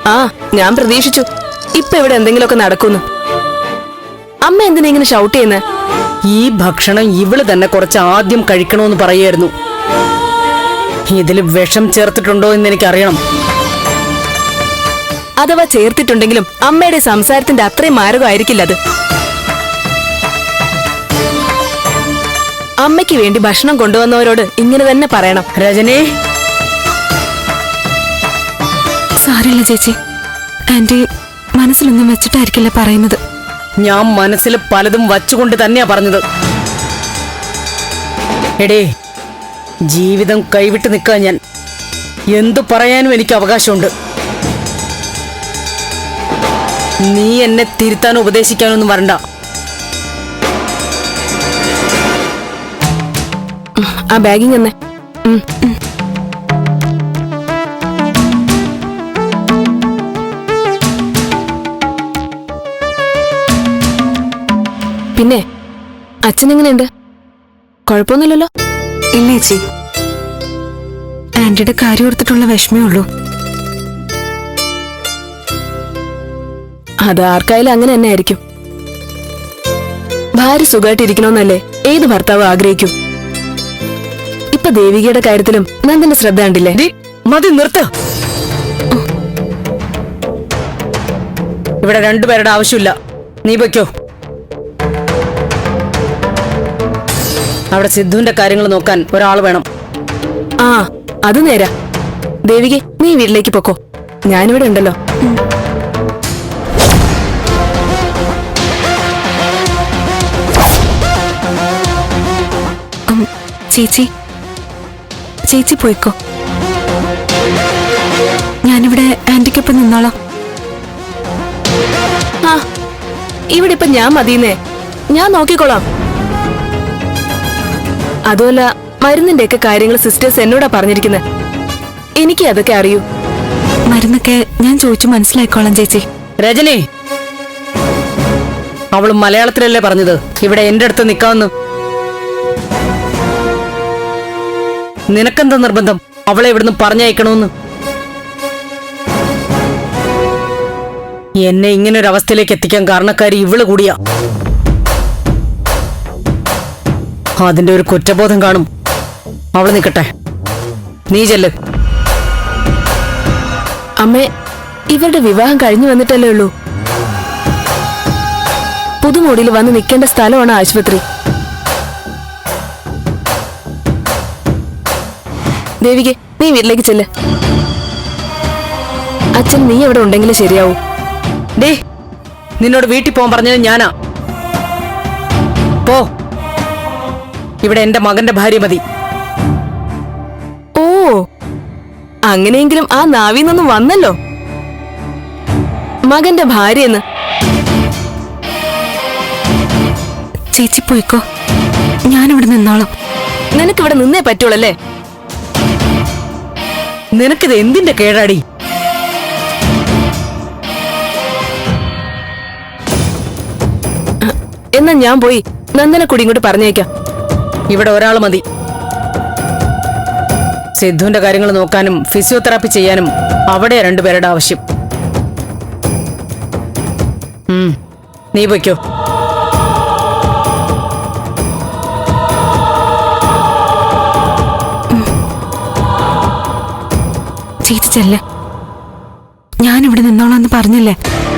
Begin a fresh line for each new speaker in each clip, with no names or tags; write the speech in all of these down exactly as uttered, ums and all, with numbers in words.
ആ ഞാൻ പ്രതീക്ഷിച്ചു ഇപ്പൊ ഇവിടെ എന്തെങ്കിലുമൊക്കെ നടക്കുന്നു. അമ്മ എന്തിനാ ഇങ്ങനെ ഷൗട്ട് ചെയ്യുന്നത്?
ഈ ഭക്ഷണം ഇവള് തന്നെ കുറച്ച് ആദ്യം കഴിക്കണമെന്ന് പറയായിരുന്നു. ഇതില് വിഷം ചേർത്തിട്ടുണ്ടോ എന്ന് എനിക്കറിയണം.
അഥവാ ചേർത്തിട്ടുണ്ടെങ്കിലും അമ്മയുടെ സംസാരത്തിന്റെ അത്രയും മാരകമായിരിക്കില്ല അത്. അമ്മയ്ക്ക് വേണ്ടി ഭക്ഷണം കൊണ്ടുവന്നവരോട് ഇങ്ങനെ തന്നെ പറയണം.
രജനി,
സാരില്ല ചേച്ചി, ആന്റി മനസ്സിലൊന്നും വെച്ചിട്ടായിരിക്കില്ല പറയുന്നത്.
ഞാൻ മനസ്സിൽ പലതും വച്ചുകൊണ്ട് തന്നെയാ പറഞ്ഞത്. എടേ, ജീവിതം കൈവിട്ട് നിൽക്കാൻ ഞാൻ എന്തു പറയാനും എനിക്ക് അവകാശമുണ്ട്. നീ എന്നെ തിരുത്താനോ ഉപദേശിക്കാനൊന്നും വരണ്ട.
ആ ബാഗിങ് തന്നെ. പിന്നെ അച്ഛനെങ്ങനെയുണ്ട്? കുഴപ്പമൊന്നുമില്ലല്ലോ?
ഇല്ല ചേച്ചി, ആന്റിയുടെ കാര്യം ഓർത്തിട്ടുള്ള വിഷമേ ഉള്ളൂ.
അത് ആർക്കായാലും അങ്ങനെ തന്നെ ആയിരിക്കും. ഭാര്യ സുഖമായിട്ടിരിക്കണമെന്നല്ലേ ഏത് ഭർത്താവ് ആഗ്രഹിക്കും. ഇപ്പൊ ദേവികയുടെ കാര്യത്തിലും നന്ദന്റെ ശ്രദ്ധ കണ്ടില്ലേ?
മതി, നിർത്ത്. ഇവിടെ രണ്ടുപേരുടെ ആവശ്യമില്ല. നീ പൊയ്ക്കോ. അവിടെ സിദ്ധുവിന്റെ കാര്യങ്ങൾ നോക്കാൻ ഒരാൾ വേണം.
ആ അത് നേരാ. ദേവിക, നീ വീട്ടിലേക്ക് പൊക്കോ, ഞാനിവിടെ ഉണ്ടല്ലോ.
ചേച്ചി ചേച്ചി പോയിക്കോ, ഞാനിവിടെ ആന്റിക്കൊപ്പം നിന്നോളാം.
ആ ഇവിടെ ഇപ്പൊ ഞാൻ മതിയെന്നേ, ഞാൻ നോക്കിക്കോളാം. അതുമല്ല, മരുന്നിന്റെ ഒക്കെ കാര്യങ്ങൾ സിസ്റ്റേഴ്സ് എന്നോടാ പറഞ്ഞിരിക്കുന്നത്. എനിക്ക് അതൊക്കെ അറിയൂ.
മരുന്നൊക്കെ ഞാൻ ചോദിച്ചു മനസ്സിലായിക്കോളാം ചേച്ചി.
രജനി, അവള് മലയാളത്തിലല്ലേ പറഞ്ഞത് ഇവിടെ എന്റെ അടുത്ത് നിക്കാമെന്ന്? നിനക്കെന്താ നിർബന്ധം അവളെ ഇവിടുന്ന് പറഞ്ഞയക്കണമെന്ന്? എന്നെ ഇങ്ങനെ ഒരു അവസ്ഥയിലേക്ക് എത്തിക്കാൻ കാരണക്കാരി ഇവള് കൂടിയാ. അതിന്റെ ഒരു കുറ്റബോധം കാണും. അവള് നിക്കട്ടെ, നീ ചെല്ല്.
അമ്മേ, ഇവരുടെ വിവാഹം കഴിഞ്ഞു വന്നിട്ടല്ലേ ഉള്ളൂ. പുതുമോടിയിൽ വന്ന് നിൽക്കേണ്ട സ്ഥലമാണ് ആശുപത്രി. ദേവികെ, നീ വീട്ടിലേക്ക് ചെല്ല്. അച്ഛൻ നീ എവിടെ ഉണ്ടെങ്കിലും ശരിയാവൂ.
ഡേ, നിന്നോട് വീട്ടിൽ പോകാൻ പറഞ്ഞത് ഞാനാ. പോ, ഇവിടെ എന്റെ മകന്റെ ഭാര്യ മതി.
ഓ, അങ്ങനെയെങ്കിലും ആ നാവിന്നൊന്നും വന്നല്ലോ, മകന്റെ ഭാര്യയെന്ന്.
ചേച്ചി പോയിക്കോ, ഞാനിവിടെ നിന്നോളാം.
നിനക്കിവിടെ നിന്നേ പറ്റുള്ളല്ലേ?
നിനക്കിത് എന്തിന്റെ കേടാടി?
എന്നാ ഞാൻ പോയി നന്ദനെ കൂടി ഇങ്ങോട്ട് പറഞ്ഞേക്കാം.
ഇവിടെ ഒരാൾ മതി. സിദ്ധുവിന്റെ കാര്യങ്ങൾ നോക്കാനും ഫിസിയോതെറാപ്പി ചെയ്യാനും അവിടെ രണ്ടുപേരുടെ ആവശ്യം. നീ പൊയ്ക്കോ.
ചേച്ചി ചെല്ല, ഞാനിവിടെ നിന്നോളാന്ന് പറഞ്ഞില്ലേ.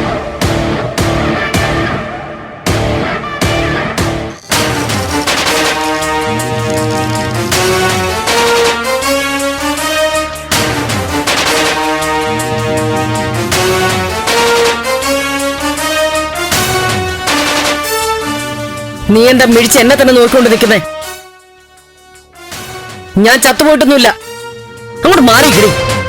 നീ എന്താ മിഴിച്ച് എന്നെ തന്നെ നോക്കിക്കൊണ്ട് നിൽക്കുന്നേ? ഞാൻ ചത്തുപോയിട്ടൊന്നുമില്ല. അങ്ങോട്ട് മാറിക്കിടി.